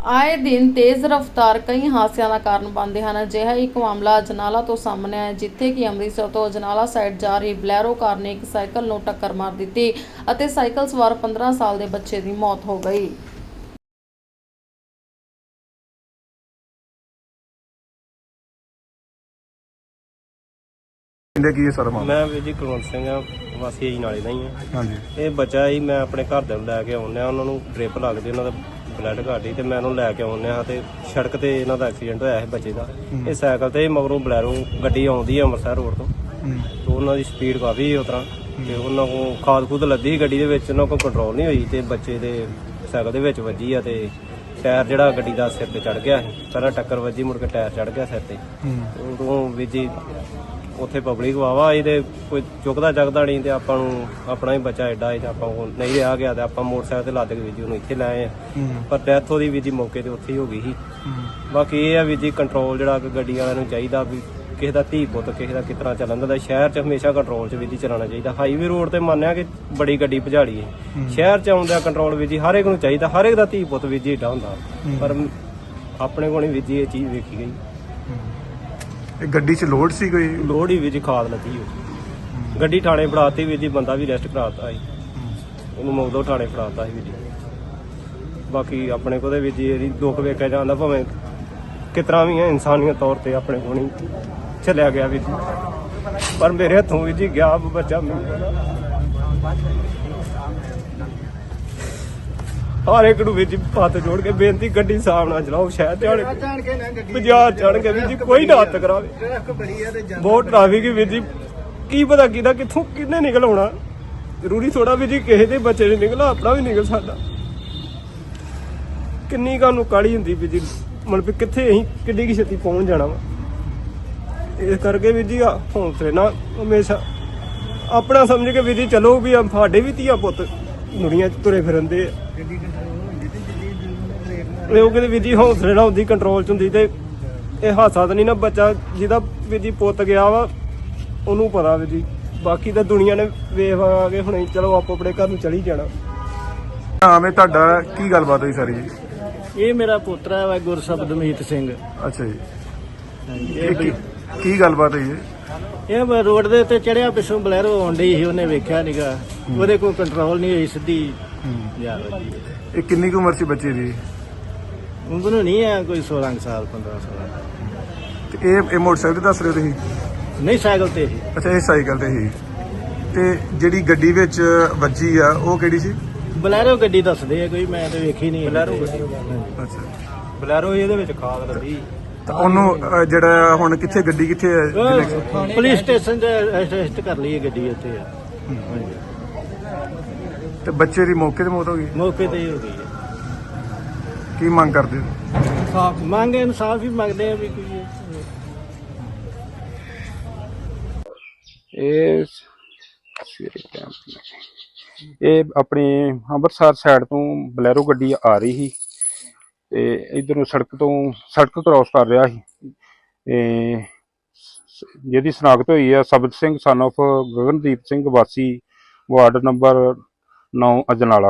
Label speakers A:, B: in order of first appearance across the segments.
A: ਆਏ ਦਿਨ ਤੇਜ਼ ਰਫ਼ਤਾਰ ਕਈ ਹਾਦਸਿਆਂ ਦਾ ਕਾਰਨ ਬਣਦੇ ਹਨ। ਅਜਿਹਾ ਇੱਕ ਮਾਮਲਾ ਅਜਨਾਲਾ ਤੋਂ ਸਾਹਮਣੇ ਆਇਆ, ਜਿੱਥੇ ਕਿ ਅੰਮ੍ਰਿਤਸਰ ਤੋਂ ਅਜਨਾਲਾ ਸਾਈਡ ਜਾ ਰਹੀ ਬਲੈਰੋ ਕਾਰ ਨੇ ਇੱਕ ਸਾਈਕਲ ਨੂੰ ਟੱਕਰ ਮਾਰ ਦਿੱਤੀ ਅਤੇ ਸਾਈਕਲ ਸਵਾਰ 15 ਸਾਲ ਦੇ ਬੱਚੇ ਦੀ ਮੌਤ ਹੋ ਗਈ।
B: ਕੀ ਹੈ ਸਰ?
C: ਮੈਂ ਵੀਰ ਜੀ ਕੁਲਵੰਤ ਸਿੰਘ ਆ, ਵਾਸੀ ਜੀ ਨਾਲੇ ਦਾ ਹੀ ਆ।
B: ਹਾਂਜੀ।
C: ਇਹ ਬੱਚਾ ਹੀ ਮੈਂ ਆਪਣੇ ਘਰ ਦੇ ਨੂੰ ਲੈ ਕੇ ਆਉਂਦਾ, ਉਹਨਾਂ ਨੂੰ ਡ੍ਰਿਪ ਲੱਗਦੀ, ਉਹਨਾਂ ਦਾ ਬਲੱਡ ਘੱਟ ਸੀ ਤੇ ਮੈਂ ਉਹਨੂੰ ਲੈ ਕੇ ਆਉਂਦਾ ਤੇ ਸੜਕ ਤੇ ਇਹਨਾਂ ਦਾ ਐਕਸੀਡੈਂਟ ਹੋਇਆ ਸੀ ਬੱਚੇ ਦਾ। ਇਹ ਸਾਈਕਲ ਤੇ ਮਗਰੋਂ ਬਲੈਰੋ ਗੱਡੀ ਆਉਂਦੀ ਆ ਅੰਮ੍ਰਿਤਸਰ ਰੋਡ ਤੋਂ, ਤੇ ਉਹਨਾਂ ਦੀ ਸਪੀਡ ਕਾਫੀ ਉਸ ਤਰ੍ਹਾਂ, ਤੇ ਉਹਨਾਂ ਕੋਲ ਖਾਦ ਖੂਦ ਲੱਦੀ ਸੀ ਗੱਡੀ ਦੇ ਵਿੱਚ, ਉਹਨਾਂ ਕੋਲ ਕੰਟਰੋਲ ਨਹੀਂ ਹੋਈ ਤੇ ਬੱਚੇ ਦੇ ਸਾਈਕਲ ਦੇ ਵਿੱਚ ਵੱਜੀ ਆ ਤੇ ਟਾਇਰ ਜਿਹੜਾ ਗੱਡੀ ਦਾ ਸਿਰ ਤੇ ਚੜ ਗਿਆ ਸੀ। ਪਹਿਲਾਂ ਟੱਕਰ ਵੱਜੀ, ਮੁੜ ਕੇ ਟਾਇਰ ਚੜ ਗਿਆ ਸਿਰ ਤੇ। ਉਦੋਂ ਵੀਰ ਜੀ ਉੱਥੇ ਪਬਲਿਕ ਵਾਵਾ ਇਹਦੇ ਕੋਈ ਚੁੱਕਦਾ ਚੱਕਦਾ ਨਹੀਂ, ਤੇ ਆਪਾਂ ਨੂੰ ਆਪਣਾ ਹੀ ਬੱਚਾ ਐਡਾ ਹੈ ਤੇ ਆਪਾਂ ਨਹੀਂ ਰਿਹਾ ਗਿਆ ਤੇ ਆਪਾਂ ਮੋਟਰਸਾਈਕਲ ਤੇ ਲੱਦ ਕੇ ਵੀਰ ਜੀ ਉਹਨੂੰ ਇੱਥੇ ਲੈ ਆਏ ਆ। ਪਰ ਡੈਥ ਉਹਦੀ ਵੀਰ ਜੀ ਮੌਕੇ ਤੇ ਉੱਥੇ ਹੀ ਹੋ ਗਈ ਸੀ। ਬਾਕੀ ਇਹ ਆ ਵੀਰ ਜੀ ਕੰਟਰੋਲ ਜਿਹੜਾ ਕਿ ਗੱਡੀ ਵਾਲਿਆਂ ਨੂੰ ਚਾਹੀਦਾ ਵੀ ਕਿਸੇ ਦਾ ਧੀ ਪੁੱਤ ਕਿਸੇ ਦਾ ਕਿਸ ਤਰ੍ਹਾਂ ਚੱਲਣ ਦਾ, ਸ਼ਹਿਰ 'ਚ ਹਮੇਸ਼ਾ ਕੰਟਰੋਲ 'ਚ ਵੀਰ ਜੀ ਚਲਾਉਣਾ ਚਾਹੀਦਾ। ਹਾਈਵੇ ਰੋਡ ਤੇ ਮੰਨਿਆ ਕਿ ਬੜੀ ਗੱਡੀ ਭਜਾੜੀ ਹੈ, ਸ਼ਹਿਰ 'ਚ ਆਉਂਦਾ ਕੰਟਰੋਲ ਵੀਰ ਜੀ ਹਰ ਇੱਕ ਨੂੰ ਚਾਹੀਦਾ, ਹਰ ਇੱਕ ਦਾ ਧੀ ਪੁੱਤ ਵੀਰ ਜੀ ਏਡਾ ਹੁੰਦਾ, ਪਰ ਆਪਣੇ ਕੋਲ ਨਹੀਂ ਵੀਰ ਜੀ ਇਹ ਚੀਜ਼ ਵੇਖੀ ਗਈ।
B: ਇਹ ਗੱਡੀ 'ਚ ਲੋਡ ਸੀ ਕੋਈ?
C: ਲੋੜ ਹੀ ਵੀਰ ਜੀ ਖਾਦ ਲੱਗੀ ਹੋਈ, ਗੱਡੀ ਥਾਣੇ ਫੜਾਤੀ ਵੀਰ ਜੀ, ਬੰਦਾ ਵੀ ਅਰੈਸਟ ਕਰਾਤਾ ਸੀ, ਉਹਨੂੰ ਮੌਦੋਂ ਥਾਣੇ ਫੜਾਤਾ ਸੀ ਵੀਰ ਜੀ। ਬਾਕੀ ਆਪਣੇ ਕੋਲ ਵੀਰ ਜੀ ਇਹਦੀ ਦੁੱਖ ਵੇਖਿਆ ਜਾਂਦਾ, ਭਾਵੇਂ ਕਿਸ ਤਰ੍ਹਾਂ ਵੀ ਹੈ, ਇਨਸਾਨੀਅਤ ਤੌਰ ਤੇ ਆਪਣੇ ਕੋਲ ਨਹੀਂ ਚੱਲਿਆ ਗਿਆ ਵੀਰ ਜੀ, ਪਰ ਮੇਰੇ ਹੱਥੋਂ ਵੀਰ ਜੀ ਗਿਆ ਬੱਚਾ। ਹਰ ਇੱਕ ਨੂੰ ਵੀਰ ਜੀ ਹੱਥ ਜੋੜ ਕੇ ਬੇਨਤੀ, ਗੱਡੀ ਸਾਹਬ ਨਾਲ ਚਲਾਓ, ਸ਼ਹਿਰ ਤੇ ਆਣ ਬਾਜ਼ਾਰ ਚੜ ਕੇ ਵੀਰ ਜੀ ਕੋਈ ਨਾ ਹੱਥ ਕਰਾਵੇ। ਬਹੁਤ ਟ੍ਰੈਫਿਕ ਹੈ ਵੀਰ ਜੀ, ਕੀ ਪਤਾ ਕਿਹਦਾ ਕਿੱਥੋਂ ਕਿੰਨੇ ਨਿਕਲ ਆਉਣਾ, ਜ਼ਰੂਰੀ ਥੋੜਾ ਵੀਰ ਜੀ ਕਿਸੇ ਦੇ ਬੱਚੇ ਨੇ ਨਿਕਲਣਾ, ਆਪਣਾ ਵੀ ਨਿਕਲ ਸਕਦਾ। ਕਿੰਨੀ ਕਾਨੂੰ ਕਾਹਲੀ ਹੁੰਦੀ ਵੀਰ ਜੀ, ਮਤਲਬ ਕਿੱਥੇ ਅਸੀਂ ਕਿੱਡੀ ਕੀ ਛੇਤੀ ਪਹੁੰਚ ਜਾਣਾ ਵਾ। ਇਸ ਕਰਕੇ ਵੀਰ ਜੀ ਹੌਸਲੇ ਨਾਲ ਹਮੇਸ਼ਾ ਆਪਣਾ ਸਮਝ ਕੇ ਵੀਰ ਜੀ ਚਲੋ, ਵੀ ਸਾਡੇ ਵੀ ਧੀਆ ਪੁੱਤ ਦੁਨੀਆ 'ਚ ਤੁਰੇ ਫਿਰਦੇ ਆ। ਉਹ ਕਹਿੰਦੇ ਵੀਰ ਜੀ ਹੌਸਲੇ ਨਾਲ ਹੁੰਦੀ, ਕੰਟਰੋਲ 'ਚ ਹੁੰਦੀ, ਤੇ ਇਹ ਹਾਦਸਾ ਤਾਂ ਨਹੀਂ ਨਾ ਬੱਚਾ ਜਿਹਦਾ ਵੀਰ ਜੀ ਪੁੱਤ ਗਿਆ ਵਾ ਉਹਨੂੰ ਪਤਾ ਵੀਰ ਜੀ, ਬਾਕੀ ਤਾਂ ਦੁਨੀਆ ਨੇ ਵੇਖ ਆ ਕੇ ਹੁਣੇ ਚਲੋ ਆਪੋ ਆਪਣੇ ਘਰ ਨੂੰ ਚਲੀ ਜਾਣਾ।
B: ਨਾਮ ਹੈ ਤੁਹਾਡਾ, ਕੀ ਗੱਲਬਾਤ ਹੋਈ ਸਾਰੀ ਜੀ?
D: ਇਹ ਮੇਰਾ ਪੋਤਰਾ ਵਾ ਗੁਰਸ਼ਬਦਮੀਤ ਸਿੰਘ।
B: ਅੱਛਾ ਜੀ, ਇਹ ਕੀ ਗੱਲਬਾਤ ਹੋਈ ਹੈ?
D: ਇਹ ਰੋਡ ਦੇ ਉੱਤੇ ਚੜਿਆ, ਪਿੱਛੋਂ ਬਲੈਰੋ ਆਉਣ ਡਈ ਸੀ, ਉਹਨੇ ਵੇਖਿਆ ਨੀਗਾ, ਉਹਦੇ ਕੋਲ ਕੰਟਰੋਲ ਨਹੀਂ ਹੋਈ, ਸਿੱਧੀ ਜਾ ਵੱਜੀ।
B: ਇਹ ਕਿੰਨੀ ਕੁ ਉਮਰ ਸੀ ਬੱਚੇ ਦੀ?
D: ਉਮਰ ਨਹੀਂ ਹੈ ਕੋਈ 16 ਸਾਲ 15 ਸਾਲ।
B: ਤੇ ਇਹ ਮੋਟਰਸਾਈਕਲ ਦੱਸ ਰਹੇ ਹੋ ਤੁਸੀਂ?
D: ਨਹੀਂ, ਸਾਈਕਲ ਤੇ ਸੀ।
B: ਅੱਛਾ, ਇਹ ਸਾਈਕਲ ਤੇ ਸੀ। ਤੇ ਜਿਹੜੀ ਗੱਡੀ ਵਿੱਚ ਵੱਜੀ ਆ ਉਹ ਕਿਹੜੀ ਸੀ?
D: ਬਲੈਰੋ ਗੱਡੀ ਦੱਸਦੇ ਆ ਕੋਈ, ਮੈਂ ਤਾਂ ਵੇਖੀ ਨਹੀਂ।
C: ਬਲੈਰੋ ਗੱਡੀ,
B: ਅੱਛਾ,
C: ਬਲੈਰੋ ਇਹਦੇ ਵਿੱਚ ਖਾਦ ਲੱਗੀ।
B: ਤਾਂ ਉਹਨੂੰ ਜਿਹੜਾ ਹੁਣ ਕਿੱਥੇ ਗੱਡੀ ਕਿੱਥੇ ਹੈ?
D: ਪੁਲਿਸ ਸਟੇਸ਼ਨ 'ਚ ਅਰੈਸਟ ਕਰ ਲਈ ਗੱਡੀ ਉੱਥੇ।
B: ਤੇ ਬੱਚੇ ਦੀ ਮੌਕੇ ਤੇ ਮੌਤ ਹੋ ਗਈ?
D: ਮੌਕੇ ਤੇ ਹੀ ਹੋ ਗਈ ਹੈ।
B: ਕੀ ਮੰਗ ਕਰਦੇ ਹੋ?
D: ਮੰਗ ਇਨਸਾਫ ਹੀ ਮੰਗਦੇ ਆ ਵੀ ਕੋਈ।
E: ਇਹ ਆਪਣੀ ਅੰਮ੍ਰਿਤਸਰ ਸਾਈਡ ਤੋਂ ਬਲੈਰੋ ਗੱਡੀ ਆ ਰਹੀ ਸੀ ਤੇ ਇਧਰੋਂ ਸੜਕ ਕ੍ਰਾਸ ਕਰ ਰਿਹਾ ਸੀ, ਤੇ ਜਿਹਦੀ ਸ਼ਨਾਖਤ ਹੋਈ ਆ ਸਬਤ ਸਿੰਘ ਸਨ ਆਫ ਗਗਨਦੀਪ ਸਿੰਘ, ਵਾਸੀ ਵਾਰਡ ਨੰਬਰ 9 ਅਜਨਾਲਾ।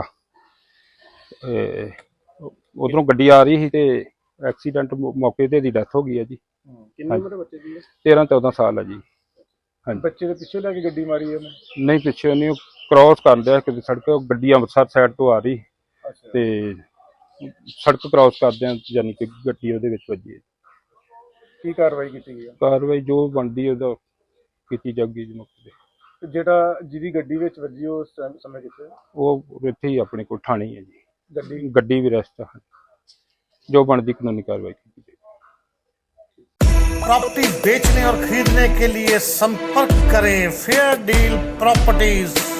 E: ਉਧਰੋਂ ਗੱਡੀ ਆ ਰਹੀ ਸੀ ਤੇ ਐਕਸੀਡੈਂਟ ਮੌਕੇ ਤੇ ਦੀ ਡੈਥ ਹੋ ਗਈ ਹੈ ਜੀ।
B: ਕਿੰਨੀ ਉਮਰ ਹੈ ਬੱਚੇ ਦੀ?
E: 13-14 ਸਾਲ ਹੈ ਜੀ। ਹਾਂਜੀ।
B: ਬੱਚੇ ਦੇ ਪਿੱਛੇ ਲੈ ਕੇ ਗੱਡੀ ਮਾਰੀ ਉਹਨੇ?
E: ਨਹੀਂ, ਪਿੱਛੇ ਨਹੀਂ, ਕ੍ਰਾਸ ਕਰ ਲਿਆ ਕਿਤੇ ਸੜਕ, ਗੱਡੀ ਅੰਮ੍ਰਿਤਸਰ ਸਾਈਡ ਤੋਂ ਆ ਰਹੀ ਤੇ ਸੜਕ ਕ੍ਰਾਸ ਕਰਦਿਆਂ ਯਾਨੀ ਕਿ ਗੱਡੀ ਉਹਦੇ ਵਿੱਚ ਵੱਜੀ ਹੈ।
B: ਕੀ ਕਾਰਵਾਈ ਕੀਤੀ ਗਈ?
E: ਕਾਰਵਾਈ ਜੋ ਬਣਦੀ ਉਹਦਾ ਕੀਤੀ ਜਾਊਗੀ ਜੀ ਮੌਕੇ ਤੇ।
B: ਜਿਹੜਾ ਜਿਹਦੀ ਗੱਡੀ ਵਿੱਚ ਵੱਜੀ ਉਹ ਸਮੇਂ ਕਿੱਥੇ?
E: ਉਹ ਇੱਥੇ ਹੀ ਆਪਣੇ ਕੋਲ ਥਾਣੇ ਹੈ ਜੀ। ਗੱਡੀ ਵੀ ਰਸਤਾ, ਜੋ ਬਣਦੀ ਕਾਨੂੰਨੀ कार्रवाई की जाएगी।
F: प्रॉपर्टी बेचने और खरीदने के लिए संपर्क करें फेयर डील प्रॉपर्टीज।